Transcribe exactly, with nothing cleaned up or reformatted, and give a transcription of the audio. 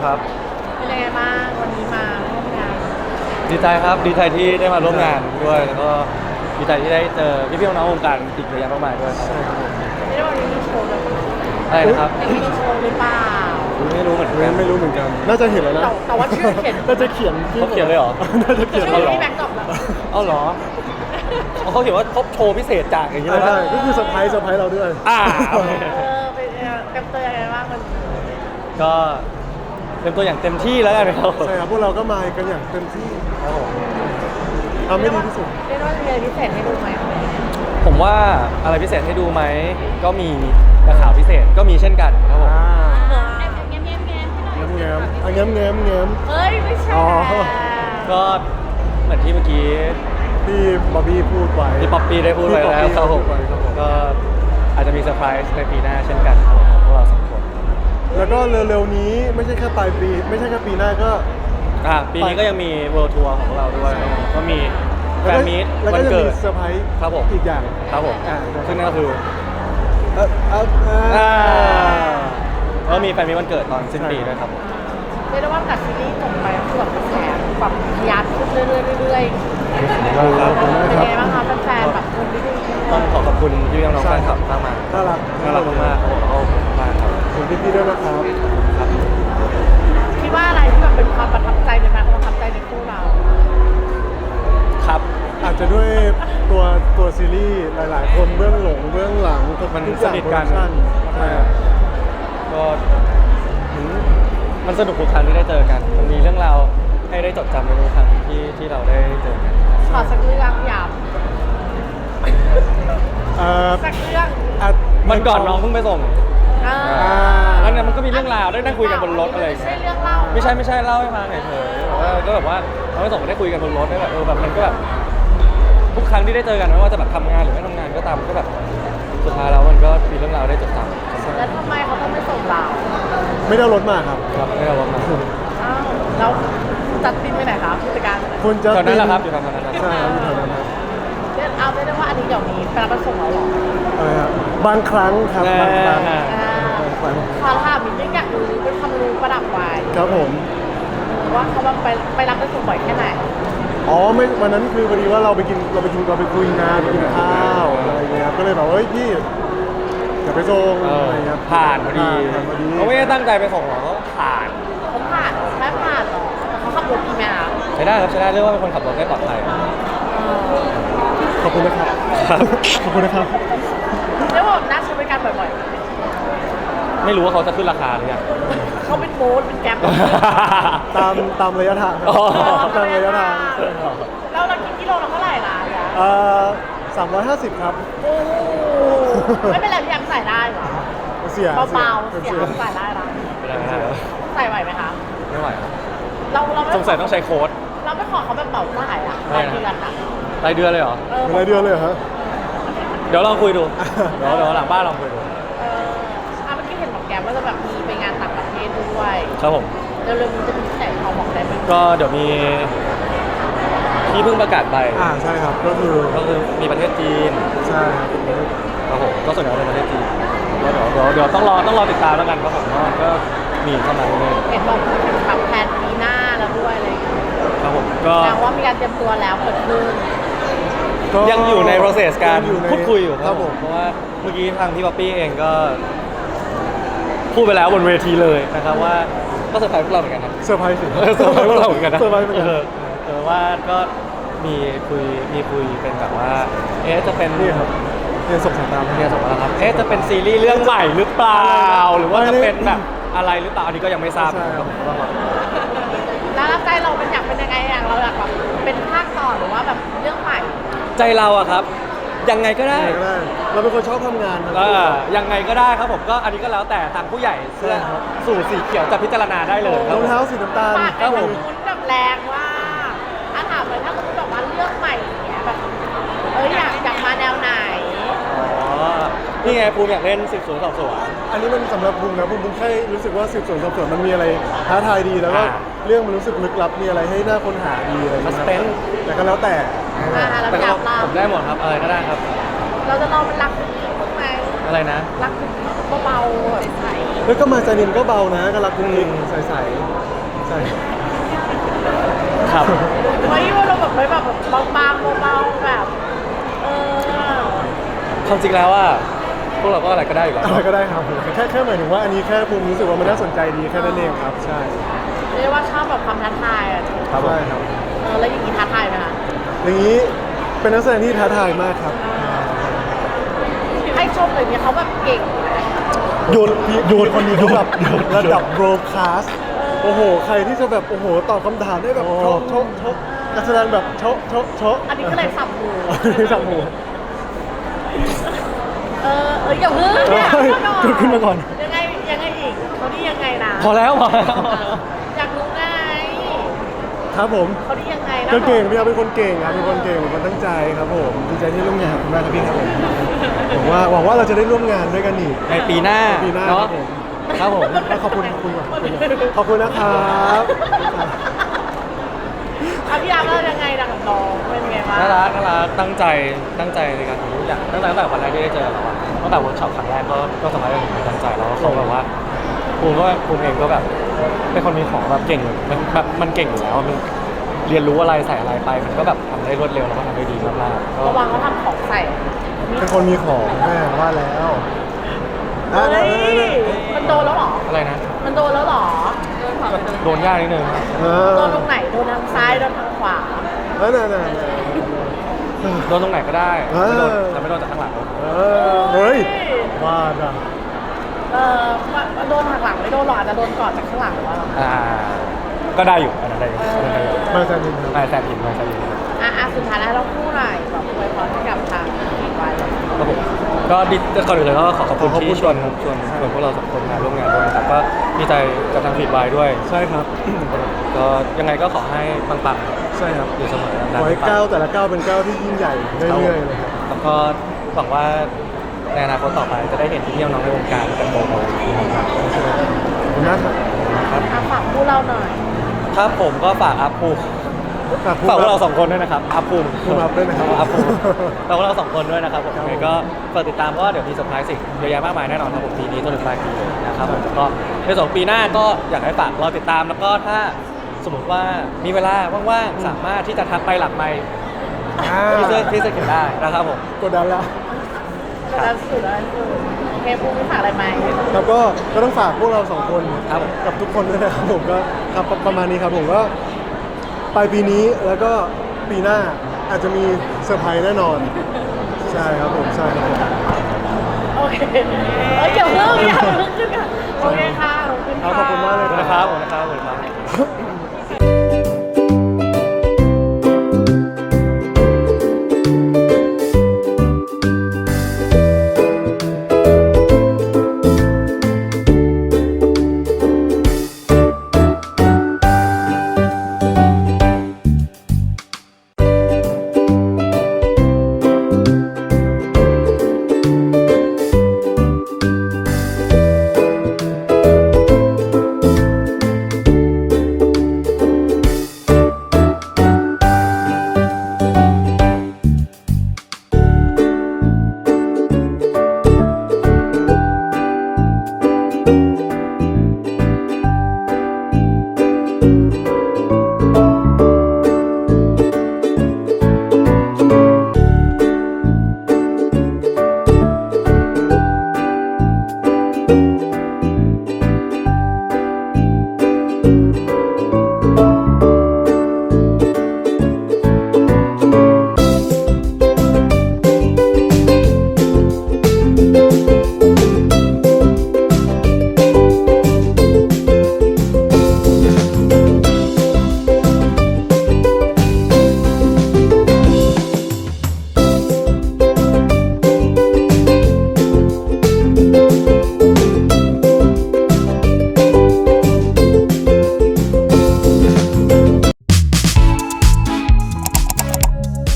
ครับเป็นยังไงบ้างวันนี้มาร่วมงานดีใจครับดีใจที่ได้มาร่วมงานด้วยแล้วก็ดีใจที่ได้เจอพี่ๆน้องๆวงการอีกเยอะแยะมากมายด้วยครับไม่ได้วันนี้มีโชว์เลยปะอะไรนะครับยังมีโชว์หรือเปล่าไม่รู้เหมือนกันไม่รู้เหมือนกัน น่าจะเห็นแล้วนะแต่แต่ว่าชื่อเขียนน่าจะเขียนเขาเขียนเลยเหรอน่าจะเขียนชื่แล้วอเหรอที่แบ็คดรอปแล้วเอาเหรอเอาเขาเขียนว่าครบโชว์พิเศษจากอย่างนี้ใช่เลยใช่นะก็คือเซอร์ไพรส์เซอร์ไพรส์เราด้วยอ่าเออเป็นยังไงเต็มตัวยังไงบ้างมันก็เต็มตัวอย่างเต็มที่แล้วกันครับใช่ครับพวกเราก็มากันอย่างเต็มที่ครับผมทำให้ดีที่สุดเรียกว่ามีอะไรพิเศษให้ดูไหมผมว่าอะไรพิเศษให้ดูไหมก็มีแต่ข่าวพิเศษก็มีเช่นกันครับผมอ่าแง้มแง้มแง้มให้หน่อยแง้มแง้มอ่ะแง้มแง้มแง้มเฮ้ยไม่ใช่อ๋อก็เหมือนที่เมื่อกี้ที่บอบบี้พูดไว้ที่ป๊อปปี้ได้พูดไว้แล้วที่คป๊รัอบ ปปี้ผมพูดไว้ครับผมก็อาจจะมีเซอร์ไพรส์ในปีหน้าเช่นกันครับผมพวกเราสองคนแล้วก็เร็วๆนี้ไม่ใช่แค่ปลายปี ไม่ใช่แค่ปีหน้าก็อ่ะปีนี้ก็ยังมีเวิลด์ทัวร์ของพวกเราด้วยครับผมก็มีแฟนมีตแล้ววัก็นจะเกิมีดเซอร์ไพรส์ครับผมอีกอย่างครับผมอ่าซึ่งนั่นก็คือเอ่อเอ่อเอ่ออ่าแล้วมีแฟนมีตวันเกิดตอนสิ้นปีด้วยครับผมเรียกได้ว่าจากซีรีส์จบไปก็คือแบบกระแสแบบทะยานขึ้นเรื่อยๆเรื่อยๆครับผมเป็นนะไงครับบ้างคะแฟนๆแบบคนที่ดูต้องขอขอบคุณพี่น้องๆแฟนคลับมากมากน่ารักน่ารักมากๆครับผมแล้วก็ขอบคุณมากครับขอบคุณพี่ๆด้วยนะครับครับคิดว่าอะไรที่แบบเป็นความประทับใจในแฟนประทับใจในคู่เราครับอาจจะด้วยตัวตัวซีรีส์หลายๆ คนเบื้องหลงเบื้องหลังทุกมันทุกอย่างสนิทกันโปรดัชั่ใช่ครับก็อืมมันสนุกทุกครั้งที่ได้เจอกัน มันมีเรื่องราวให้ได้จดจำในทุกครั้งที่ที่เราได้เจอกันขอสักเรื่องหยาบเอ่อสักเรื่องอ่ะมันก่อนน้องเพิ่งไปส่งเออแล้วเนี่ยมันก็มีเรื่องราวได้นั่งคุยกันบนรถอะไรอย่างไม่ใช่เงี้ยเรื่องเล่าไม่ใช่ไม่ใช่เล่าให้ฟังเฉยๆแต่ว่าก็แบบว่าเราไปส่งก็ได้คุยกันบนรถได้แบบเออแบบมันก็แบบทุกครั้งที่ได้เจอกันไม่ว่าจะแบบทำงานหรือไม่ทำงานก็ตามก็แบบสุดท้ายแล้วมันก็มีเรื่องราวได้จดจำแล้วทำไมเขาต้องไม่ส่งเราไม่ได้เอารถมาครับครับไม่ได้ว่ามาอ้าวแล้วจัดบินไปไหนคะผู้จัดการไปไหนคุณจะตอนนั้นแหละครับอยู่ทางนั้นครับใช่ครับอยู่แถวนั้นครับเดี๋ยวเอาได้ได้ว่าอันนี้เดี๋ยวนี้ไปรับไปส่งเราเหรออะไรครับบางครั้งครับบางครั้งอ่าอ่าบางครั้งขอถามนิดนึงอยากรู้เป็นความรู้ประดับไว้ครับผมว่าเขาแบบไปไปรับไปส่งบ่อยแค่ไหนอ๋อไม่วันนั้นคือพอดีว่าเราไปกินเราไปกินเราไปคุยงานไปกินข้าวอะไรอย่างเงี้ยครับก็เลยแบบว่าเฮ้ยพี่อย่าไปส่งเอออะไรเงี้ยผ่านพอดีผ่านพอดีเขาไม่ได้ตั้งใจไปส่งหรอกเขาผ่านเขาผ่านแค่ผ่านเหรอแต่เขาขับรถดีไหมอ่ะใช้ได้ครับใช้ได้เรียกว่าเป็นคนขับรถได้ปลอดภัยเออขอบคุณนะครับครับขอบคุณนะครับเรียกว่าน่าใช้บริการบ่อยไม่รู้ว่าเขาจะขึ้นราคาหรือยังๆเขาเป็นโบ๊ทเป็นแก๊ปตามตามระยะทางครับอ๋อตามระยะทางใช่ครับเราเรากินกิโลละเท่าไหร่ล่ะเนี่ยเอ่อสามร้อยห้าสิบครับโอ้โหไม่เป็นไรพี่ยังใส่ได้เหรอเสียเบาๆเสียงใส่ได้นะไม่ได้ไม่ได้ใส่ไหวไหมคะไม่ไหวครับเราเราไม่สงสัยต้องใช้โค้ดเราไม่ขอเขาแบบเป่าจ่ายอ่ะไม่รายนะเดือนอ่ะรายเดือนเลยเหรอเออเป็นรายเดือนเลยเหรอฮะเดี๋ยวลองคุยดู เดี๋ยวเดี๋ยวหลังบ้านลองคุยดูเอออ่ะเมื่อกี้เห็นบอกแกมว่าจะแบบมีไปงานต่างประเทศด้วยครับผมเร็วๆนี้จะมีที่ไหนพอบอกได้ไหมก็เดี๋ยวมีที่เพิ่งประกาศไปอ่าใช่ครับก็คือก็คือมีประเทศจีนใช่ครับครับผมก็ส่วนใหญ่เป็นประเทศจีนก็เดี๋ยวเดี๋ยวเดี๋ยวต้องรอต้องรอติดตามแล้วกันครับผมว่าก็มีเข้ามาเรื่อยเห็นบอกพูดถึงแบบแผนปีหน้าแล้วด้วยอะไรอย่างเงี้ยๆครับผมก็แปลว่ามีการเตรียมตัวแล้วเกิดขึ้นก็ยังอยู่ใน process การงอในพูดคุยอยู่ครับผมเพราะว่าเมื่อกี้ทางพี่ป๊อปปี้เองก็ พูดไปแล้วบนเวทีเลยนะครับว่าก็เซอร์ไพรส์พวกเราเหมือนกันนะเซอร์ไพรส์สิเออเซอร์ไพรส์พวกเราเหมือนกันนะเซอร์ไพรส์เหมือนกันเออเออว่าก็มีคุยมีคุยเป็นแบบว่า เอ๊ะจะเป็นนี่ครับเรียนส่งสายตามเรียนส่งมาแล้วครับ เอ๊ะจะเป็นซีรีส์เรื่องใหม่หรือเปล่า หรือว่าจะเป็นแบบอะไรหรือเปล่าอันนี้ก็ยังไม่ทราบใช่ครับก็ต้องรอแล้วใจเราเป็นอยากเป็นยังไงอยากเราอยากแบบเป็นภาคต่อหรือว่าแบบเรื่องใหม่ใจเราอะครับ ยังไงก็ได้ยังไงก็ได้เราเป็นคนชอบทำงานครับเออยังไงก็ได้ครับผมก็อันนี้ก็แล้วแต่ทางผู้ใหญ่เสื้อใช่ครับสูตรสีเขียวจะพิจารณาได้เลยครรับองเท้าสีน้ำตาลปากครัไอ้บผมมุนแบบแรงว่าถ้าถามเลยถ้าสมมติแบบว่าเรื่องใหม่อย่างเงี้ยแบบเอ้ยอยากอยากมาแนวไหนอ๋อนี่ไงภูมิอยากเล่นสืบสวนสอบสวนอันนี้มันสำหรับบุ้งนะบุ้งบุ้งแค่รู้สึกว่าสืบสวนสอบสวนมันมีอะไรท้าทายดีแล้วก็อ่าเรื่องมันรู้สึกลึกลับมีอะไรให้น่าค้นหาดีอะไรอย่างเงี้ย Suspense แต่ก็แล้วแต่อ่าเราแต่อก็ยากเล่าผมได้หมดครับอะไรก็ได้ครับเราจะลองเป็นรักคุกกี้บ้างไหมอะไรนะรักคุกกี้เบาๆแบบใสแล้วก็มาจานินก็เบานะก็รักกุ๊กกิ๊กใสๆใช่ครับเฮ้ยว่าเราแบบไม่แบบแบบบางๆเบาๆแบบเออความจริงแล้วว่าพวกเราก็อะไรก็ได้อยู่แล้วอะไรก็ได้ครับแค่แค่หมายถึงว่าอันนี้แค่ภูมิรู้สึกว่ามันน่าสนใจดีแค่นั้นเองครับใช่เรียกว่าชอบแบบความท้าทายอ่ะครับผมใช่ครับเออแล้วอย่างนี้ท้าทายไหมคะอย่างนี้เป็นนักแสดงที่ท้าทายมากครับให้ชมเลยเนี่ยเขาแบบเก่งโยนโยนคนนี้เขาแบบระดับโบรคาสโอ้โห ใครที่จะแบบโอ้โหตอบคำถามได้แบบโชะโชะโชะนักแสดงแบบโชะโชะโชะอันนี้ก็เลยสับหูสับหูเออเอออย่าเพิ่งเนี่ยเฮ้ยขึ้นขึ้นมาก่อนยังไงยังไงอีกเขาดียังไงนะพอแล้วพอแล้วอยากรู้ไงครับผมเขาดียังไงนะก็เก่งพี่อาเป็นคนเก่งครับเป็นคนเก่งเป็นคนตั้งใจครับผมดีใจที่ร่วมงานกับคุณมากครับพี่ครับผมหวังว่าหวังว่าเราจะได้ร่วมงานด้วยกันอีกในปีหน้าปีหน้าเนาะครับผมครับผมขอบคุณขอบคุณขอบคุณขอบคุณนะครับอ่ะพี่อาร์ตแล้วยังไงนะกับน้องเป็นไงบ้างน่ารักน่ารักตั้งใจตั้งใจในการทำทุกอย่างตั้งแต่ตั้งแต่วันแรกที่ได้เจอเราอะตั้งแต่เวิร์กช็อปครั้งแรกก็ก็สมัยเราถึงตั้งใจแล้วเขาแบบว่าภูมิก็ภูมิเองก็แบบเป็นคนมีของแบบเก่งมันแบบมันเก่งอยู่แล้วมันเรียนรู้อะไรใส่อะไรไป มันก็แบบทำได้รวดเร็วแล้วก็ทำได้ดีมากๆก็ระวังเขาทำของใส่เป็นคนมีของแม่ว่าแล้วเฮ้ยมันโดนแล้วเหรออะไรนะมันโดนแล้วเหรอโดนยากนิดนึงครับเออโดนตรงไหนโดนทางซ้ายโดนทางขวาเออน่ะน่ะน่ะโดนตรงไหนก็ได้เออไม่โดนแต่ไม่โดนจากข้างหลังเออเฮ้ยว่าอ่ะเออโดนหักหลังไม่โดนหรอกอาจจะโดนก่อนจากข้างหลังหรือว่าอ่าก็ได้อยู่อันนั้นได้อยู่อันนั้นได้อยู่มาจากนินครับไม่แซมผิดไม่แซมผิดอ่ะอ่ะสุดท้ายแล้วเราพูดหน่อยแบบอวยพรให้กับทางทีมไว้ครับผมก็ดีก่อนอื่นเลยก็ขอขอบคุณที่ชวนชวนชวนพวกเราสองคนมาร่วมงานด้วยนะครับก็ดีใจกับทางฟีดไวด้วยใช่ครับก็ยังไงก็ขอให้ปังใช่ครับๆอยู่เสมอขอให้ก้าวแต่ละก้าวเป็นก้าวที่ยิ่งใหญ่เรื่อยๆเลยครับแล้วก็หวังว่าในอนาคตต่อไปจะได้เห็นที่เที่ยวน้องในวงการกันโตๆนะครับขอบคุณนะครับอ่ะฝากพูดเราหน่อยครับผมก็ฝากอัพภูมิฝากพูดฝากพวกเราสองคนด้วยนะครับอัพภูมิภูมิอัพด้วยนะครับอัพภูมิฝากพวกเราสองคนด้วยนะครับผมครับผมยังไงก็ฝากติดตามเพราะว่าเดี๋ยวมีเซอร์ไพรส์สิ่งเยอะแยะมากมายแน่นอนครับผมปีนี้จนถึงปลายปีเลยนะครับผมแล้วก็ในส่วนของปีหน้าก็อยากให้ฝากรอติดตามแล้วก็ถ้าสมมติว่ามีเวลาว่างๆสามารถที่จะทักไปหลังไมค์อ่าที่เสื้อที่เสื้อเขียนได้นะครับผมกดดันแล้วแล้วสุดแล้วสุดโอเคพูดไม่ฝากอะไรไหมแล้วก็ก็ต้องฝากพวกเราสองคนครับผมกับทุกคนด้วยนะครับผมก็ครับประมาณนี้ครับผมก็ปลายปีนี้แล้วก็ปีหน้าอาจจะมีเซอร์ไพรส์แน่นอน ใช่ครับผมใช่ครับผมโอเคเอ้ยอย่าเพิ่งอย่าเพิ่งขึ้นค่ะโอเคค่ะขอบคุณครัค่ะบขอบคุณมากเลยขอบคุณนะครับขอบคุณนะครับขอบคุณครับ